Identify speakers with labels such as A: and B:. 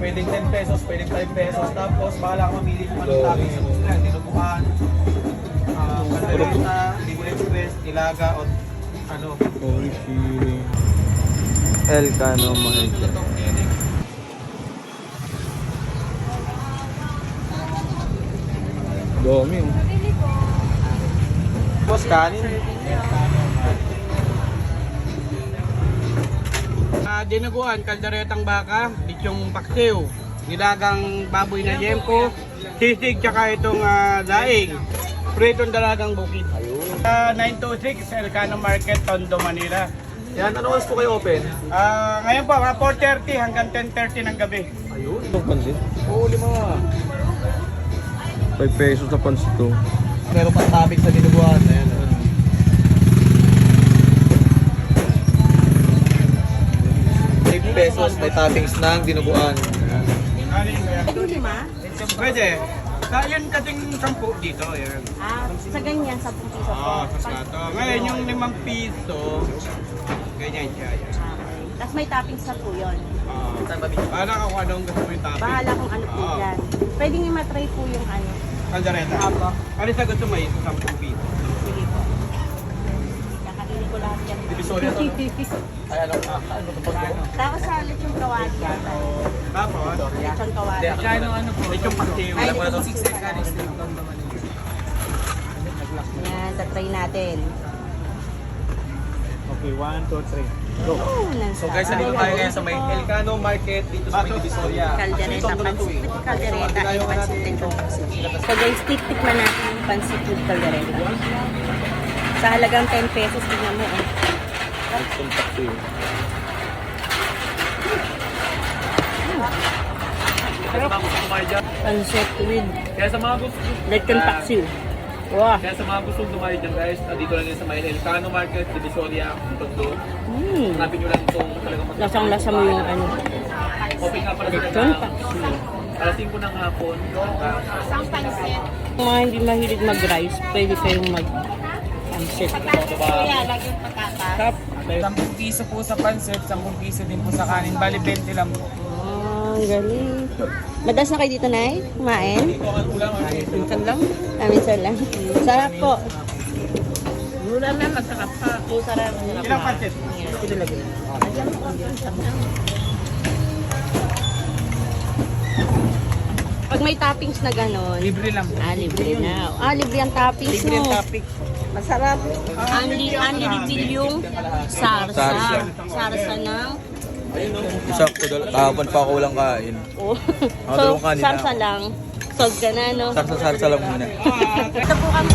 A: Pwedeng 10 pesos, pwedeng 5 pesos. Tapos, bahala ka mamili kung anong toppings yung gusto nila. Dinuguan, kaldereta, libre express, ilaga, o ano.
B: Oishi. Elcano Market. Dami oh.
A: Tapos, kanin.
C: Dinuguan, kalderetang baka, lechong paksiw, nilagang baboy na yempo, sisig, tsaka itong daing, pritong dalagang bukid. 926, Elcano Market, Tondo, Manila.
A: Yan, ano oras po kayo open?
C: Ngayon po, 4:30 hanggang 10:30 ng gabi.
A: Ayun.
B: Itong pansit.
A: Oo,
B: 5 pesos na pansit to.
A: Meron pang toppings sa dinuguan. Ayan. 5 pesos, may toppings ng dinuguan.
D: Yung lima?
C: Pwede. Yun kasing 10 dito. Yan.
D: Sa ganyan, 10 piso po.
C: Sa plato. Ngayon yung 5 piso, ganyan siya. Yan.
D: Tapos may toppings na po yun.
C: Bahala ka kung anong gusto mo yung topping.
D: Bahala kung ano po
C: Oo.
D: yan. Pwede nyo matry po yung ano.
C: Kaldereta.
D: Apo.
C: Ano sa gusto mo yung 10 piso?
D: Sige po. Kakainin ko lahat yan.
A: Divisoria to, no? Ay, ano ito pag
D: Tapos sa lechong kawali yata.
C: Tapos,
D: Lechong kawali.
C: lechong paksiw.
A: Alam mo na to?
D: Yan, tatry natin.
B: Okay, 1, 2, 3.
A: So guys, nandito tayo ngayon sa may Elcano Market dito sa may Divisoria.
D: Kaldereta, pansit with kaldereta, and pansit lechong. So guys, tiktikman natin yung pansit with kaldereta. Sa halagang 10 pesos, tingnan mo eh.
B: Itong taxi.
A: Kaya sa mga gusto kumain dyan,
D: Pansit with
A: kaya sa mga gusto,
D: lechon paksiw. Wow!
A: kaya sa mga gustong kumain dyan guys, dito lang yan sa may Elcano Market, Divisoria, Tondo. Hanapin nyo lang itong talagang
D: Lasang-lasa mo yung ano.
A: open nga pala sila
D: Lechon
A: ng
D: paksiw.
A: alas 5 ng hapon.
D: Kung mga hindi mahilig mag-rice, pwede kayong mag-pansit. Tap.
E: 10 piso po sa pansit, 10 piso din po sa kanin. Bali, 20 lang po.
D: Oh, ang galing. Madalas na kayo dito, Nay? Kumain? Minsan lang? Minsan lang. Sarap po. Mura na, masarap pa. Sarap.
C: Ilang pansit?
D: Pag may toppings na gano'n,
E: Libre lang po.
D: libre na. Libre ang toppings
E: Libre ang
D: mo.
E: topic.
D: Masarap. Only libre yung sarsa.
B: Sarsa.
D: Sarsa ng...
B: Sakto, kahapon pa ako walang kain.
D: Oh.
B: Dalawang kanina.
D: Sarsa lang. Solve ka na, no?
B: Sarsa-sarsa lang muna.
D: Ito po kami